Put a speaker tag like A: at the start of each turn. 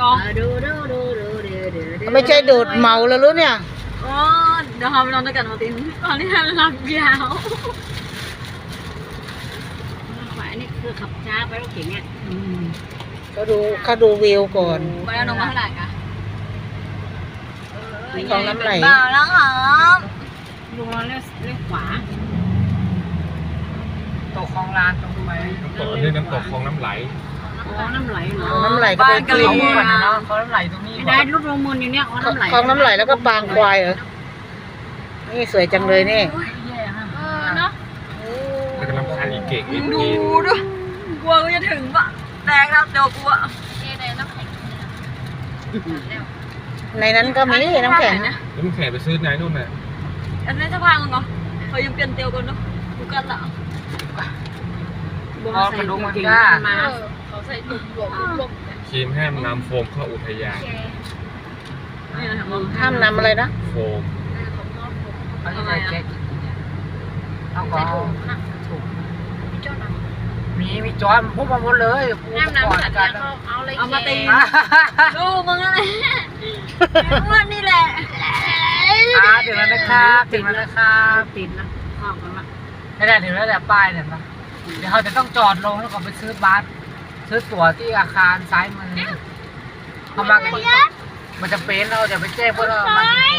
A: ไม่ใช่ดูดเมาแล้วรู้เนี่ย
B: อ๋อเดี๋ยวเราไปนอนด้วยกันมาตินตอนนี้หลับยาวขวานี่คือขับช้าไปรถเก๋งเนี่ย
A: เขาดูวิวก่อน
B: ไปแล้วนอนมาเท่าไหร่คะ
A: ของน้ำไหล
B: เปล่าแล้วครับลุงเราเลี้ยวขวา
C: ตกคลองลานตรงไป
D: น้ำตกนี่น้ำตกคลองน้ำไหล
B: อ๋อน้ำไหลเหรอ
A: น้ำไหลก็ไป
C: ก็
A: กิ
C: ล
A: น
C: งก่อนนะเนาะเขาน้ำไหลตรงนี้
B: ได้รูปลงมูลอยู่เนี่ยอ๋อน้ำไหล
A: คลองน้ำไหลแล้วก็ปางควายเหรอนี่สวยจังเลยนี่
B: เนาะ
D: แล้วก็น้ำคานอีกเก่งอีก
B: ดู
D: ที
B: ดูกลัวกูจะถึงปะแตกแล้วเดี๋ยวกลัว
A: ในนั้นก็มีน้ำแข็ง
D: แล้วมึงแข่ไปซื้อไหนนู่นน่ะ
B: อันนี้จะพังเหรอเขายังเปลี่ยนเตียวกันเนาะดูกันละ
C: พอกระดูกมันกล้า
B: เขาใส่ตุ่มหลวม
D: ครีมห้ามนำโฟมเข้าอุทยาน
A: ห้ามนำอะไรนะ
D: โฟม
C: เขาจะใส่แก๊กเอาก็ถูกมีจอนพูดมาหมดเลยน้ำสัตว์กัน
B: เอามาตีดูมึงอะไรมึงนี่แหละ
C: ถึงแล้วนะครับถึงแล้วนะครับ
B: ติดนะออกกันละ
C: ไม่ได้ถึงแล้วแต่ป้ายเนี่ยนะเดี๋ยวเขาจะต้องจอดลงแล้วก็ไปซื้อบัสซื้อตั๋วที่อาคารซ้ายมือเขามากันมันจะเป็นเราจะไปแจ้งพวกเรา